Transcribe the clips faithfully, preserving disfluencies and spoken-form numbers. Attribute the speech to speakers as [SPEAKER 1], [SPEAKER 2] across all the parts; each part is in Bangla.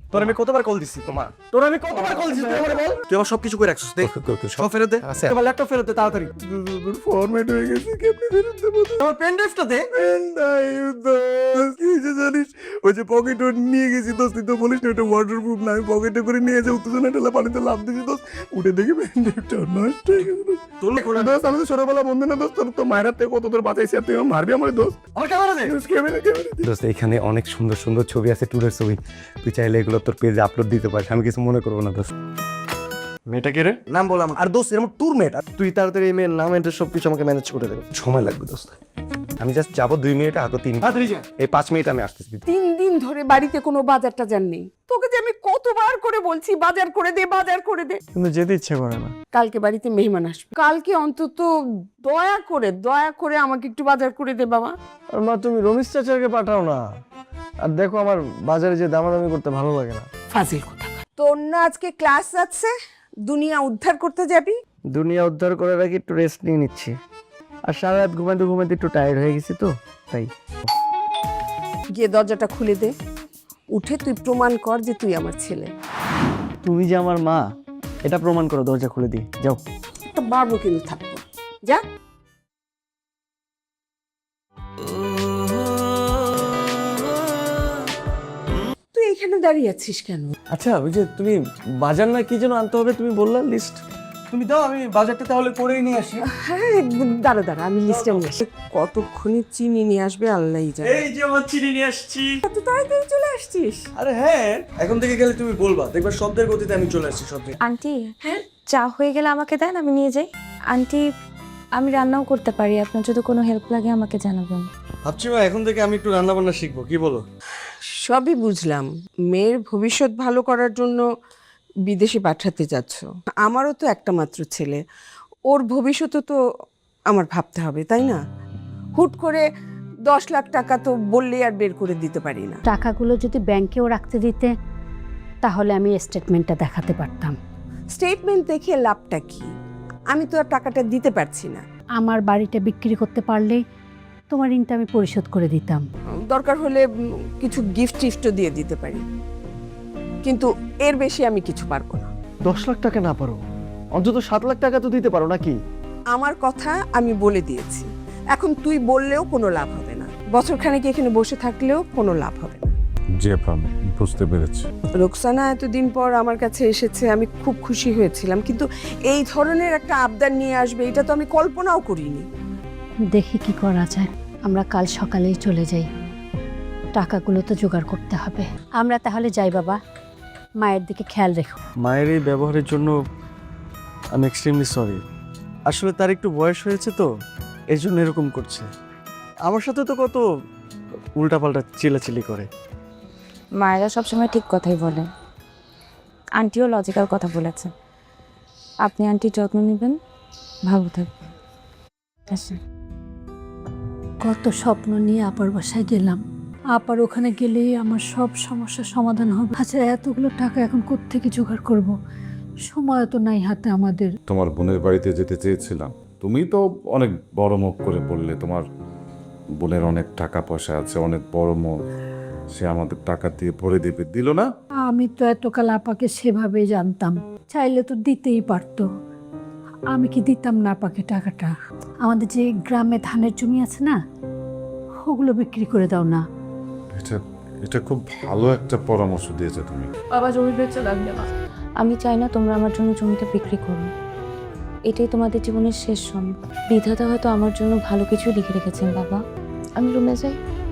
[SPEAKER 1] তোর আমি কতবার কল দিছি তোমার তোর আমি কতবার কল দিছি তুই আমারে বল তুই আমার সবকিছু করে রাখছিস দে সব ফেরত দে এবার ল্যাপটপ ফেরত দে তাড়াতাড়ি ফরম্যাট হয়ে গেছে কেমনে ফেরত দেব আমার পেন ড্রাইভটা দে পেন ড্রাইভ দোস্ত কি যে জানিস ওই যে পকেটে নিয়ে গেছি দোস্ত তুই তো বলিস না ওটা ওয়াটারপ্রুফ না আমি পকেটে করে নিয়ে যাই উত্তেজনা ঢেলা পানিতে লাফ দিয়েছি দোস্ত উঠে দেখি পেন ড্রাইভটা নষ্ট হয়ে গেছে তোর দোস্ত আমি তো ছোটবেলা বন্ধু না দোস্ত তোর মায়ের থেকে কত তোর বাঁচাইছি আর তুই আমার মারবি আমার দোস্ত আমার ক্যামেরা দে ক্যামেরা ক্যামেরা
[SPEAKER 2] দোস্ত এখানে অনেক সুন্দর সুন্দর ছবি আছে ট্যুরের ছবি তুই চাইলে এগুলো তোর পেজে আপলোড দিতে পারিস আমি কিছু মনে করবো না দোস্ত
[SPEAKER 1] মেয়েটা কে রে নাম বললাম আর দোস্ত এরকম ট্যুর মেট তুই তাড়াতাড়ি এই মেয়ের নাম এটা সব কিছু আমাকে ম্যানেজ করে দেবে
[SPEAKER 2] সময় লাগবে দোস্ত আমি জাস্ট যাবো দুই মিনিটে হাতে তিন
[SPEAKER 1] তাড়াতাড়ি যা
[SPEAKER 2] এই পাঁচ মিনিট আমি আসতেছি
[SPEAKER 3] তিন দিন ধরে বাড়িতে কোনো বাজার টাজার নেই তোকে যে আমি কতবার করে বলছি বাজার করে দে বাজার করে দে
[SPEAKER 1] কিন্তু যেতে ইচ্ছে করে না
[SPEAKER 3] কালকে বাড়িতে মেহমান আসবে কালকে অন্তত দয়া করে দয়া করে আমাকে একটু বাজার করে দে বাবা
[SPEAKER 1] আর মা তুমি রমেশ চাচাকে পাঠাও না আর দেখো আমার বাজারে যে দামাদামি করতে ভালো লাগে না
[SPEAKER 3] ফাজিল কথা তোর না আজকে ক্লাস আছে দুনিয়া উদ্ধার করতে যাবি
[SPEAKER 1] দুনিয়া উদ্ধার করার আগে একটু রেস্ট নিয়ে নিচ্ছি আর সারা রাত ঘুমাতে ঘুমাতে একটু টায়ার্ড হয়ে গেছি তো তাই
[SPEAKER 3] গিয়ে দরজাটা খুলে দে উঠে তুই প্রমাণ কর যে তুই আমার ছেলে
[SPEAKER 1] তুমি যে আমার মা এটা প্রমাণ করো দরজা খুলে দিই যাও
[SPEAKER 3] তো বাবু কিন্তু থাকবো যা তুই এখানে দাঁড়িয়ে আছিস কেন
[SPEAKER 1] আচ্ছা ওই যে তুমি বাজার না কি যেন আনতে হবে তুমি বললা লিস্ট তুমি দাও আমি বাজারটা তাহলে করেই নিয়ে আসি
[SPEAKER 3] হ্যাঁ দাঁড়া দাঁড়া আমি লিস্টে নিয়ে আসি কতক্ষণে চিনি নিয়ে আসবে আল্লাহই জানে
[SPEAKER 1] এই যে আমার চিনি নিয়ে আসছি
[SPEAKER 3] এত তাড়াতাড়ি চলে আসছিস
[SPEAKER 1] আরে হ্যাঁ এখন থেকে গেলে তুমি বলবা দেখবা শব্দের গতিতে আমি চলে আসছি শব্দে
[SPEAKER 4] আন্টি হ্যাঁ চা হয়ে গেলে আমাকে দেন আমি নিয়ে যাই আন্টি আমি রান্নাও করতে পারি আপনার যদি কোনো হেল্প লাগে আমাকে জানাবেন
[SPEAKER 1] ভাবছি মা এখন থেকে আমি একটু রান্না বান্না শিখবো কি বলো
[SPEAKER 3] সবই বুঝলাম মেয়ের ভবিষ্যৎ ভালো করার জন্য বিদেশে পাঠাতে যাচ্ছ আমারও তো একটা মাত্র ছেলে ওর ভবিষ্যৎও তো আমার ভাবতে হবে তাই না হুট করে দশ লাখ টাকা তো বললেই আর বের করে দিতে পারি না
[SPEAKER 5] টাকাগুলো যদি ব্যাংকেও রাখতে দিতে তাহলে আমি স্টেটমেন্টটা দেখাতে পারতাম
[SPEAKER 3] স্টেটমেন্ট দেখে লাভটা কি আমি তো আর টাকাটা দিতে পারছি না
[SPEAKER 5] আমার বাড়িটা বিক্রি করতে পারলেই তোমার ঋণটা আমি পরিশোধ করে দিতাম
[SPEAKER 3] দরকার হলে উম, কিছু গিফট টিফটও দিয়ে দিতে পারি কিন্তু এর বেশি আমি কিছু পারবো না
[SPEAKER 1] দশ লাখ টাকা না পারো অন্তত সাত লাখ টাকা তো দিতে পারো নাকি
[SPEAKER 3] আমার কথা আমি বলে দিয়েছি এখন তুই বললেও কোনো লাভ হবে না বছর খানেক এখানে বসে থাকলেও কোনো লাভ হবে না
[SPEAKER 6] জি আপা বুঝতে পেরেছি
[SPEAKER 3] রোকসানা এতদিন পর আমার কাছে এসেছে আমি খুব খুশি হয়েছিলাম কিন্তু এই ধরনের একটা আবদার নিয়ে আসবে এটা তো আমি কল্পনাও করিনি
[SPEAKER 5] দেখি কি করা যায় আমরা কাল সকালেই চলে যাই টাকাগুলো তো জোগাড় করতে হবে আমরা তাহলে যাই বাবা মায়ের দিকে খেয়াল রেখো
[SPEAKER 1] মায়ের এই ব্যবহারের জন্য আমি এক্সট্রিমলি সরি আসলে তার একটু বয়স হয়েছে তো এই জন্য এরকম করছে আমার সাথে তো কত উল্টাপাল্টা চিলাচিলি করে
[SPEAKER 4] মায়েরা সবসময় ঠিক কথাই বলে আন্টিও লজিক্যাল কথা বলেছে আপনি আন্টির যত্ন নেবেন ভালো থাকবেন আসেন
[SPEAKER 5] কত স্বপ্ন নিয়ে আপার বাসায় গেলাম আপার ওখানে গেলেই আমার সব সমস্যার সমাধান হবে আচ্ছা এতগুলো টাকা এখন কোত্থেকে জোগাড় করব সময় তো নাই হাতে আমাদের
[SPEAKER 6] তোমার বোনের বাড়িতে যেতে চেয়েছিলাম তুমি তো অনেক বড় মুখ করে বললে তোমার বোনের অনেক টাকা পয়সা আছে অনেক বড় মুখ সে আমাদের টাকা দিয়ে ভরে দেবে দিল না
[SPEAKER 5] আমি তো এতকাল আপাকে সেভাবেই জানতাম চাইলে তো দিতেই পারতো আমি কি দিতাম না আপাকে টাকাটা আমাদের যে গ্রামে ধানের জমি আছে না ওগুলো বিক্রি করে দাও না
[SPEAKER 6] এটা এটা খুব ভালো একটা পরামর্শ দিয়েছে তুমি
[SPEAKER 4] বাবা জমি বেচে লাগবে না আমি চাই না তোমরা আমার জন্য জমিটা বিক্রি করো এটাই তোমাদের জীবনের শেষ সময় বিধাতা হয়তো আমার জন্য ভালো কিছু লিখে রেখেছেন বাবা আমি রুমে যাই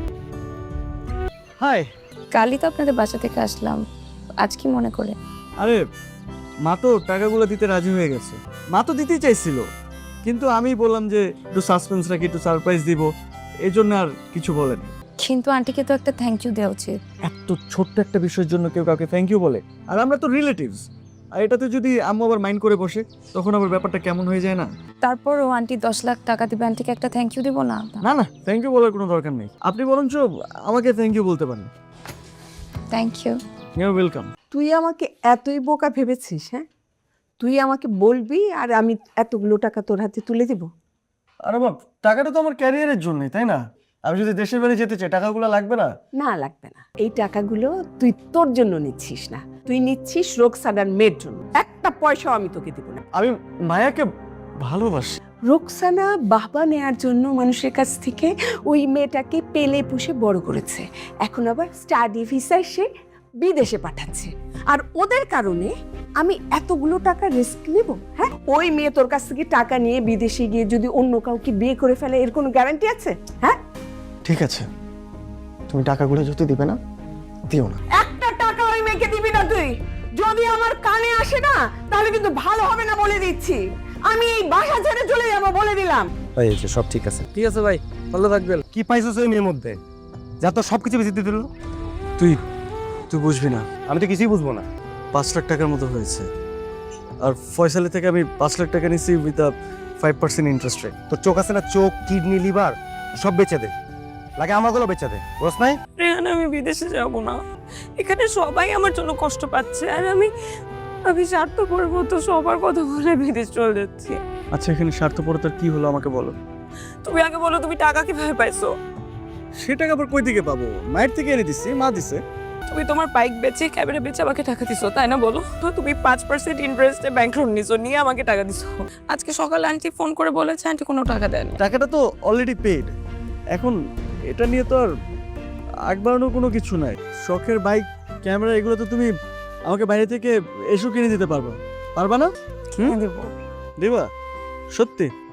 [SPEAKER 1] হাই
[SPEAKER 4] কালই তো আপনাদের বাসা থেকে আসলাম আজ কি মনে করে
[SPEAKER 1] আরে মা তো টাকাগুলো দিতে রাজি হয়ে গেছে মা তো দিতেই চাইছিল কিন্তু আমি বললাম যে একটু সাসপেন্স রাখি একটু সারপ্রাইজ দিব এই জন্য আর কিছু বলেনি
[SPEAKER 4] কিন্তু আন্টিকে তো একটা থ্যাংক ইউ দেওয়া উচিত
[SPEAKER 1] এত ছোট্ট একটা বিষয়ের জন্য কেউ কাউকে থ্যাংক ইউ বলে আর আমরা তো রিলেটিভস আর এটাতে যদি আম্মু আবার মাইন্ড করে বসে তখন আবার ব্যাপারটা কেমন হয়ে যায় না
[SPEAKER 4] তারপরও আন্টি দশ লাখ টাকা দিবে আন্টিকে একটা থ্যাংক ইউ দিব না
[SPEAKER 1] না না থ্যাংক ইউ বলার কোনো দরকার নেই আপনি বরঞ্চ আমাকে থ্যাংক ইউ বলতে পারেন
[SPEAKER 4] থ্যাংক ইউ
[SPEAKER 1] ইউ ওয়েলকাম
[SPEAKER 3] তুই আমাকে এতই বোকা ভেবেছিস হ্যাঁ তুই আমাকে বলবি আর আমি এতগুলো টাকা তোর হাতে তুলে দিব
[SPEAKER 1] আরে বাপ টাকাটা তো আমার ক্যারিয়ারের জন্যই তাই না আমি যদি দেশের বাড়ি যেতে চাই টাকাগুলো লাগবে না?
[SPEAKER 3] না লাগবে না, এই টাকাগুলো তুই তোর জন্য নিচ্ছিস না, তুই নিচ্ছিস রোকসানার মেয়ের জন্য। একটা পয়সাও আমি তোকে দিব না।
[SPEAKER 1] আমি মায়াকে ভালোবাসি।
[SPEAKER 3] রোকসানা বাবা নেয়ার জন্য মানুষের কাছ থেকে ওই মেয়েটাকে পেলে পুষে বড় করেছে, এখন আবার স্টাডি ভিসায় সে বিদেশে পাঠাচ্ছে। আর ওদের কারণে আমি এতগুলো টাকা রিস্ক নেব? হ্যাঁ, ওই মেয়ে তোর কাছ থেকে টাকা নিয়ে বিদেশে গিয়ে যদি অন্য কাউকে বিয়ে করে ফেলে, এর কোনো গ্যারান্টি আছে? হ্যাঁ,
[SPEAKER 1] ঠিক আছে, তুমি টাকাগুলো যদি দিবে না, দিও না।
[SPEAKER 3] একটা টাকা ওই মেয়েকে দিবি না তুই। যদি আমার কানে আসে না, তাহলে কিন্তু ভালো হবে না বলে দিচ্ছি। আমি এই বাসা ছেড়ে চলে যাবো বলে দিলাম।
[SPEAKER 2] ভাই এই যে সব ঠিক আছে।
[SPEAKER 1] ঠিক আছে ভাই, ভালো থাকবেন।
[SPEAKER 2] কি পাইছিস ওই মেয়ের মধ্যে যা তো সব কিছু বেশি দিয়ে দিল?
[SPEAKER 1] তুই তুই বুঝবি না,
[SPEAKER 2] আমি তো কিছুই বুঝবো না।
[SPEAKER 1] পাঁচ লাখ টাকার মতো হয়েছে। আর ফয়সালি থেকে আমি পাঁচ লাখ টাকা নিয়েছি with a five percent interest rate.
[SPEAKER 2] তোর চোখ আছে না, চোখ, কিডনি, লিভার সব বেচে দে, লাগে আমাগুলো বেচে দে, বুঝছ নাই?
[SPEAKER 7] রেহান, আমি বিদেশে যাব না। এখানে সবাই আমার জন্য কষ্ট পাচ্ছে, আর আমি আমি স্বার্থপরের মতো সবার কথা বলে বিদেশ চলে যাচ্ছি।
[SPEAKER 1] আচ্ছা, এখানে স্বার্থপরতার কি হলো আমাকে বলো।
[SPEAKER 7] তুমি আগে বলো, তুমি টাকা কিভাবে পাইছো?
[SPEAKER 1] সে টাকা আবার কই থেকে পাবো? মায়ের থেকে এনে দিচ্ছি, মা দিছে।
[SPEAKER 7] তুমি তোমার বাইক বেচে, ক্যামেরা বেচে আমাকে টাকা দিছো, তাই না? বলো তো, তুমি পাঁচ পার্সেন্ট ইন্টারেস্টে ব্যাংক লোন নিছো, নিয়ে আমাকে টাকা দিছো। আজকে সকালে আন্টি ফোন করে বলেছে আন্টি কোনো টাকা দেন।
[SPEAKER 1] টাকাটা তো অলরেডি পেড। এখন এটা নিয়ে তো আর আগ বাড়ানোর কোনো কিছু নাই। শখের বাইক, ক্যামেরা, এগুলো তো তুমি আমাকে বাইরে থেকে এসো কিনে দিতে পারবা, পারবা না? হুম, দিবা সত্যি?